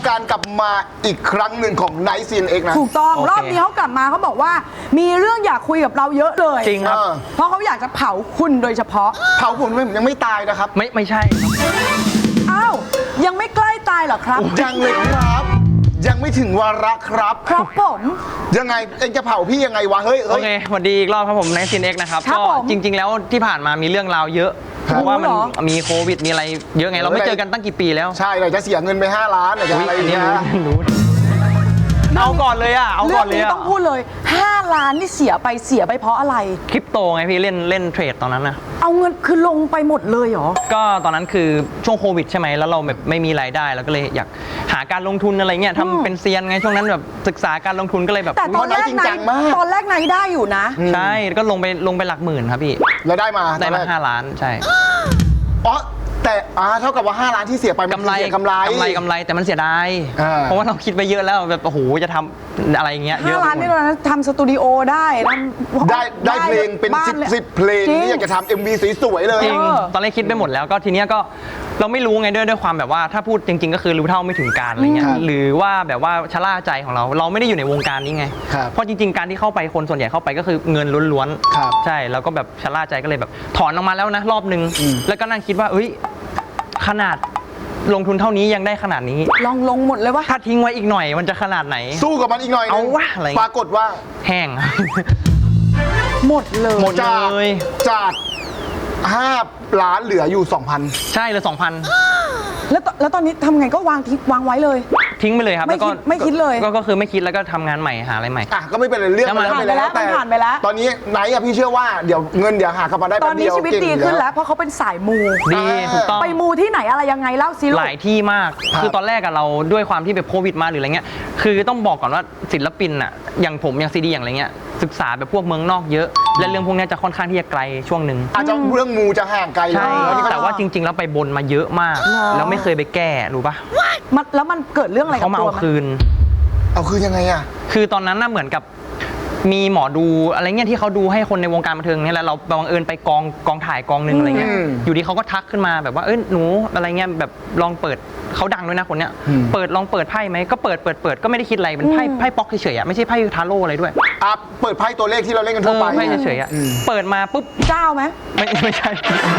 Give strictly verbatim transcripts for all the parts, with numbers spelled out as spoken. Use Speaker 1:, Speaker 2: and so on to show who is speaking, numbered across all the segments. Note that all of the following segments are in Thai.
Speaker 1: การกลับมาอีกครั้งหนึ่งของ Night ซี เอ็น เอ็กซ์ นะ
Speaker 2: ถูกต้อง
Speaker 3: โอเค
Speaker 2: รอบนี้เขากลับมาเขาบอกว่า มีเรื่องอยากคุยกับเราเยอะเลย
Speaker 3: จริงครับ
Speaker 2: เพราะเขาอยากจะเผาคุณโดยเฉพาะ
Speaker 1: เผาผมผมยังไม่ตายนะครับ
Speaker 3: ไม่ไม่ใช่ครับ
Speaker 2: อ้าวยังไม่ใกล้ตายเหรอครับ
Speaker 1: ยังเลยครับ ยังไม่ถึงวาระครับ
Speaker 2: ครับผม
Speaker 1: ยังไงเอ็งจะเผาพี่ยังไงวะเฮ้ย
Speaker 3: โอ
Speaker 1: เฮ้ย
Speaker 3: เคสวัสดีอีกรอบครับผมในซีนเอ็กนะครับ
Speaker 2: ครับ
Speaker 3: ก็
Speaker 2: ผม
Speaker 3: จริง ๆ แล้วที่ผ่านมามีเรื่องราวเยอะ
Speaker 1: ครับ
Speaker 3: เพราะว่ามัน
Speaker 2: รู้เหรอ
Speaker 3: มีโควิดมีอะไรเยอะไงเราไม่เจอกันตั้งกี่ปีแล้ว
Speaker 1: ใช่เลยจะเสียเงินไปห้าล้านไหนจะ
Speaker 3: อุ๊ย
Speaker 1: อะไร
Speaker 3: อั
Speaker 1: อี
Speaker 3: น
Speaker 1: ก
Speaker 3: นี้
Speaker 1: นะ
Speaker 3: รู้รู้เอาก่อนเลยอ่ะเอา
Speaker 2: เรื่
Speaker 3: ก่
Speaker 2: อ
Speaker 3: อง นเลย
Speaker 2: นี้
Speaker 3: อ่ะ
Speaker 2: ต้องพูดเลยห้าล้านนี่เสียไปเสียไปเพราะอะไร
Speaker 3: คริปโตไงพี่เล่นเล่นเทรดตอนนั้นนะ
Speaker 2: เอาเงินคือลงไปหมดเลยเหรอ
Speaker 3: ก็ตอนนั้นคือช่วงโควิดใช่ไหมแล้วเราแบบไม่มีรายได้เราก็เลยอยากหาการลงทุนอะไรเงี้ย
Speaker 2: อืม
Speaker 3: ทำเป็นเซียนไงช่วงนั้นแบบศึกษาการลงทุนก็เลยแบบ
Speaker 2: แต่ตอนแรก
Speaker 1: จริง
Speaker 2: ไหน
Speaker 1: จังมาก
Speaker 2: ตอนแรกไหนได้อยู่นะ
Speaker 3: ใช่ก็ลงไปลงไปหลักหมื่นครับพี่
Speaker 1: แล้วได้มา
Speaker 3: ได้มา
Speaker 1: ตอนแรก
Speaker 3: ห้าล้านใช่
Speaker 1: อ๋อแต่อ่าเท่ากับว่าห้าล้านที่เสียไปมัน
Speaker 3: กำไร
Speaker 1: เสียกำไร
Speaker 3: กำไรกำไรแต่มันเสียดาย
Speaker 1: อ่า
Speaker 3: เพราะว่าเราคิดไปเยอะแล้วแบบโอ้โหจะทำอะไรอย่างเงี้ยเย
Speaker 2: ห้า
Speaker 3: อะ
Speaker 2: ล้าน
Speaker 3: ไป
Speaker 2: นี่
Speaker 3: หมด
Speaker 2: ตอนนั้นทำสตูดิโอได้ทำ
Speaker 1: ได้ได้เพลงเป็น
Speaker 2: บ้า
Speaker 1: สิบ
Speaker 2: ลย
Speaker 1: สิบเพลง
Speaker 2: จริ
Speaker 1: ที่อยากจะทำเอ็มวีสวยๆเลย
Speaker 3: จริง
Speaker 2: เออ
Speaker 3: ตอนแรกคิดไปหมดแล้วก็ทีเนี้ยก็เราไม่รู้ไงด้วยด้วยความแบบว่าถ้าพูดจริง ๆ ก็คือรู้เท่าไม่ถึงการอะไรเงี้ย
Speaker 1: ครับ
Speaker 3: หรือว่าแบบว่าชะล่าใจของเรา เราไม่ได้อยู่ในวงการนี้ไง
Speaker 1: ครับ
Speaker 3: เพราะจริง ๆ การที่เข้าไปคนส่วนใหญ่เข้าไปก็คือเงินล้วน
Speaker 1: ครับ
Speaker 3: ใช่แล้วก็แบบชะล่าใจก็เลยแบบถอนออกมาแล้วนะรอบนึง
Speaker 1: อืม
Speaker 3: แล้วก็นั่งคิดว่าเอ้ยขนาดลงทุนเท่านี้ยังได้ขนาดนี้
Speaker 2: ลองลงหมดเลยวะ
Speaker 3: ถ้าทิ้งไว้อีกหน่อยมันจะขนาดไหน
Speaker 1: สู้กับมันอีกหน่อยนึง
Speaker 3: เอาวะอะไร
Speaker 1: ปรากฏว่า
Speaker 3: แห้ง
Speaker 2: หมดเลย
Speaker 3: หมด
Speaker 1: จาก
Speaker 3: เลย
Speaker 1: จากห้าล้านเหลืออยู่ สองพัน
Speaker 3: ใช่เลยสองพัน
Speaker 2: แล้วตแล้วตอนนี้ทำไงก็วางทิ้งวางไว้เลย
Speaker 3: ทิ้งไปเลยครับ
Speaker 2: ไม่
Speaker 3: แล้วก็
Speaker 2: คิดไม่คิดเลย
Speaker 3: ก็ก็คือไม่คิดแล้วก็ทำงานใหม่หาอะไรใหม่
Speaker 1: อ่ะก็ไม่เป็นไรเรื่อง
Speaker 3: แล้วมัน
Speaker 1: ไปแล้ว
Speaker 2: ผ่านไปแล้วมันผ่านไปแล้ว
Speaker 1: ตอนนี้ไนท์อะพี่เชื่อว่าเดี๋ยวเงินเดี๋ยวหากลับมาได้
Speaker 2: ต
Speaker 1: แป๊
Speaker 2: อน
Speaker 1: บ
Speaker 2: นี้
Speaker 1: เดียว
Speaker 2: ชีวิต
Speaker 1: เก่ง
Speaker 2: ดี
Speaker 1: อยู่
Speaker 2: ขึ้น
Speaker 1: แล้
Speaker 2: แล้ว วเพราะเขาเป็นสายมู
Speaker 3: ดีถูกต้อง
Speaker 2: ไปมูที่ไหนอะไรยังไงเล่าซิลู
Speaker 3: ห
Speaker 2: ก
Speaker 3: ลายที่มาก
Speaker 1: ครับ
Speaker 3: คือตอนแรกอะเราด้วยความที่แบบโควิดมาหรืออะไรเงี้ย คือต้องบอกก่อนว่าศิลปินอะอย่างผมอย่างซีดีอย่างอะไรเงี้ย ศึกษาแบบพวกเมืองนอกเยอะ และเรื่องพวกเนี้ยจะค่อนข้างที่จะไกลช่วงหนึ่ง
Speaker 1: อาจจะเรื่องมูจะห่างไกล
Speaker 3: ใช่
Speaker 1: แล้วนี่ก็
Speaker 3: แต่ว่าจริง ๆ แล้วไปบนมาเยอะมาก แล้วไม่เคยไปแก้รู้ปะ
Speaker 2: มันแล้วมันเกิดเรื่องอะไรกั
Speaker 3: เขา
Speaker 2: บ
Speaker 3: มา
Speaker 2: ตั
Speaker 3: เอา
Speaker 2: วมัน
Speaker 3: คืน
Speaker 1: เอาคือยังไงอะ
Speaker 3: คือตอนนั้นน่ะเหมือนกับมีหมอดูอะไรเงี้ยที่เขาดูให้คนในวงการบันเทิงเนี่ยแหละเราบังเอิญไปกองกองถ่ายกองหนึ่งอะไรเงี้ยอยู่ดีเขาก็ทักขึ้นมาแบบว่าเอ้ยหนูอะไรเงี้ยแบบลองเปิดเขาดังด้วยนะคนเนี้ยเปิดลองเปิดไพ่ไหมก็เปิดเปิดเปิดก็ไม่ได้คิดอะไรเป็นไพ่ไพ่ป๊อกเฉยๆอะไม่ใช่ไพ่ทาโร่อะไรด้วย
Speaker 1: อ่ะเปิดไพ่ตัวเลขที่เราเล่นกัน
Speaker 3: เอ
Speaker 1: ทั่ว
Speaker 3: อ
Speaker 1: ไป
Speaker 3: ไพ่เฉยๆอะ
Speaker 1: อืม
Speaker 3: เปิดมาปุ๊บ
Speaker 2: เจ้าไหม
Speaker 3: ไม่ไม่ใช่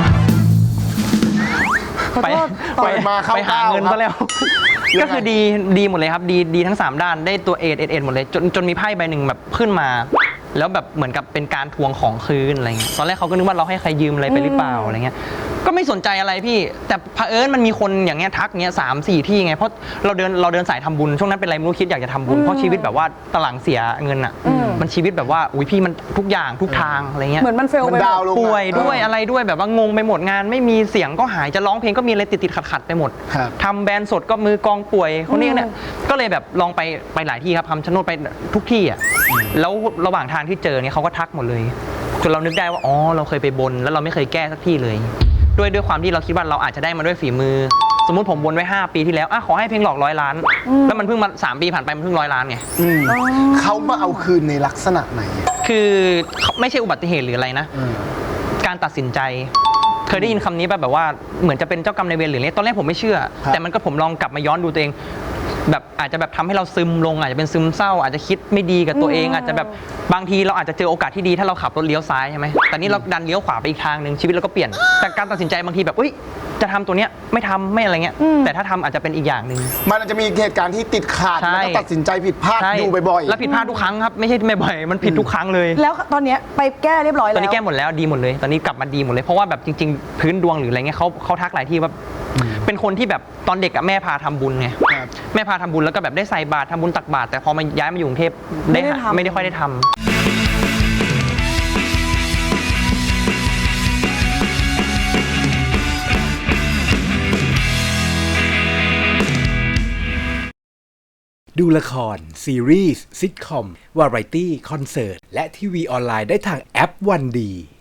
Speaker 2: ขอ
Speaker 3: ไป
Speaker 2: โทษ
Speaker 1: เปิดมาเข้า
Speaker 3: ไปหาเงิน
Speaker 1: ก้าว
Speaker 3: ซะแล้ว
Speaker 1: ยังไง
Speaker 3: ก็คือดีดีหมดเลยครับดีดีทั้งสามด้านได้ตัวเอเอเอหมดเลยจนจนมีไพ่ใบหนึ่งแบบขึ้นมา แล้วแบบเหมือนกับเป็นการทวงของคืนอะไรเงี้ยตอนแรกเขาก็นึกว่าเราให้ใครยืมอะไรไปหรือเปล่าอะไรเงี้ยก็ไม่สนใจอะไรพี่แต่เผอิญมันมีคนอย่างเงี้ยทักเงี้ยสามสี่ที่ไงเพราะเราเดินเราเดินสายทำบุญช่วงนั้นเป็นอะไรไม่รู้คิดอยากจะทำบุญเพราะชีวิตแบบว่าตะหลังเสียเงินอ่ะมันชีวิตแบบว่าอุ้ยพี่มันทุกอย่างทุกทางอะไรเงี้ย
Speaker 2: เหมือนมันเฟล
Speaker 1: มัน
Speaker 2: ไปหม
Speaker 1: ดาว
Speaker 2: ด
Speaker 1: ลง
Speaker 3: ป่วย
Speaker 1: อะ
Speaker 3: ด้วยอะไรด้วยแบบว่างงไปหมดงาน ไม่มีเสียงก็หายจะร้องเพลงก็มีอะไรติดติดขัดขัดๆไปหมด
Speaker 1: ครับ
Speaker 3: ทำแบรนด์สดก็มือกองป่วยคนนี้เนี่ยก็เลยแบบลองไปไปหลายที่ครับทำชะโนดไปทุกที่อ่ะแล้วระหว่างทางที่เจอเนี่ยเขาก็ทักหมดเลยจนเรานึกได้ว่าอ๋อเราเคยไปบนแล้วเราไม่เคยแก้สักที่เลย ด้วยด้วยความที่เราคิดว่าเราอาจจะได้มาด้วยฝีมือ สมมุติผมบนไว้ห้าปีที่แล้วอ่ะขอให้เพลงหลอกร้อยล้าน แล้วมันเพิ่งมาสามปีผ่านไปมันเพิ่งร้อยล้านไง
Speaker 1: อืมเขามาเอาคืนในลักษณะไหนอะ
Speaker 3: คือไม่ใช่อุบัติเหตุหรืออะไรนะ
Speaker 1: อืม
Speaker 3: การตัดสินใจ เคยได้ยินคำนี้ป่ะแบบว่าเหมือนจะเป็นเจ้ากรรมนายเวรหรืออะไรตอนแรกผมไม่เชื่อ
Speaker 1: ครับ
Speaker 3: แต่มันก็ผมลองกลับมาย้อนดูตัวเอง แบบอาจจะแบบทำให้เราซึมลงอาจจะเป็นซึมเศร้า อาจจะคิดไม่ดีกับตัวเอง อาจจะแบบบางทีเราอาจจะเจอโอกาสที่ดีถ้าเราขับรถเลี้ยวซ้ายใช่ไหมแต่นี่เราดันเลี้ยวขวาไปอีกทางหนึ่งชีวิตเราก็เปลี่ยนแต่การตัดสินใจบางทีแบบอุ้ยจะทำตัวเนี้ยไม่ทำไม่อะไรเงี้ยแต่ถ้าทำอาจจะเป็นอีกอย่างหนึ่ง
Speaker 1: มันอาจจะมีเหตุการณ์ที่ติดขาด
Speaker 3: ใช่
Speaker 1: แล้วก็ตัดสินใจผิดพลาด
Speaker 3: ใช่
Speaker 1: อยู่บ่อยๆ
Speaker 3: แล้วผิดพลาดทุกครั้งครับไม่ใช่ไม่บ่อยมันผิดทุกครั้งเลย
Speaker 2: แล้วตอนเนี้ยไปแก้เรียบร้อย
Speaker 3: ต
Speaker 2: แล้
Speaker 3: อน
Speaker 2: ว
Speaker 3: นี้แก้หมดแล้วดีหมดเลย ตอนนี้กลับมาดีหมดเลย เพราะว่าแบบจริงๆ พื้นดวงหรืออะไรเงี้ยเขาเขาทักหลายที่ว่าเป็นคนที่แบบตอนเด็กอะแม่พาทำบุญไง
Speaker 1: ครับ
Speaker 3: แม่พาทำบุญแล้วก็แบบได้ใส่บาตรทำบุญตักบาตรแต่พอมาย้ายมาอยู่กรุงเทพ
Speaker 2: ไม่ได้
Speaker 3: หา
Speaker 2: ทำ
Speaker 3: ไม่ได้ค่อยได้ทำ
Speaker 4: ดูละคร ซีรีส์ซิทคอม วาไรตี้ คอนเสิร์ต และทีวีออนไลน์ได้ทางแอปวันดี